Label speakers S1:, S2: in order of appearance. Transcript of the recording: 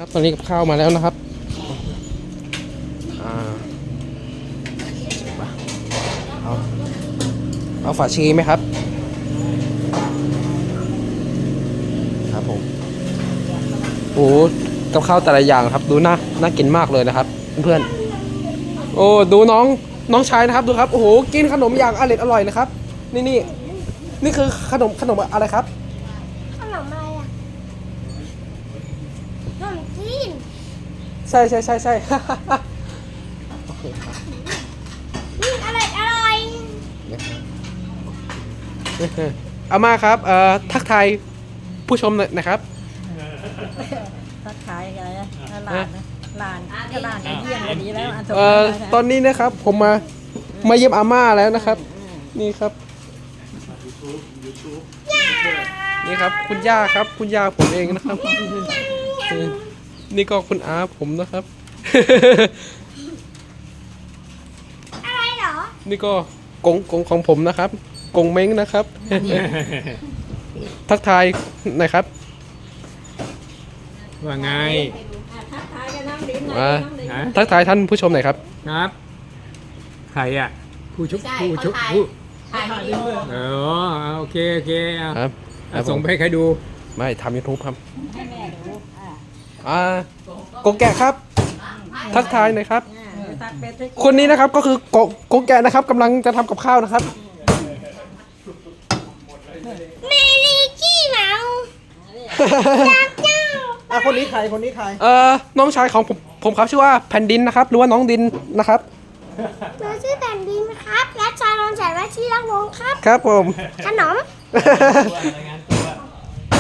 S1: ครับตอนนี้กับข้าวมาแล้วนะครับเอาเอาฝาชีไหมครับครับผมโอ้กับข้าวแต่ละอย่างครับดูน่ากินมากเลยนะครับเพื่อนๆโอ้ดูน้องชายนะครับดูครับโอ้โหกินขนมอย่างอร่อยนะครับนี่คือขนมอะไรครับ
S2: ขนมอะไรอ่ะขนมจีน
S1: ใช่ โอเคครับ
S2: อร่อย
S1: อาม่าครับทักทายผู้ชมหน่อยนะครับ
S3: ทักทายอะไรนะหลานนะหลานเยี่ยมวันนี้แล้วอันสม
S1: ตอนนี้นะครับผมมาเยี่ยมอาม่าแล้วนะครับนี่ครับนี่ครับคุณย่าครับคุณย่าผมเองนะครับนี่ก็คุณอาผมนะครับ
S2: อะไรเหรอ
S1: นี่ก็กงของผมนะครับกงเม้งนะครับ ทักทายหน่อยครับ
S4: ว่าไง
S3: ทักทายกันน้ำลิ้น
S1: อ่า
S4: ฮะ
S1: ทักทายท่านผู้ชมหน่อยครับ
S4: ครับ ใครอ่ะ ผู้ชุบ
S3: ถ่ายวิดีโอ
S4: เออโอเคเอา
S1: ครับ
S4: เอาส่งไปให้ใครดู
S1: ไม่ทำยูทูบครับ
S3: ให้แม่ดู
S1: กงแกะครับ ทักทายหน่อยครับ
S3: ตักเป็ดให้
S1: คนนี้นะครับก็คือกงแกะนะครับกำลังจะทำกับข้าวนะครับ
S2: เมลีกี้เมาเจ้า
S1: คนนี้ใครน้องชายของผมครับชื่อว่าแผ่นดินนะครับหรือว่าน้องดินนะครับ
S2: หนูชื่อแผ่นดินครับและชายรอนแสนและชื่อรักวงครับ
S1: ครับผม
S2: ขนม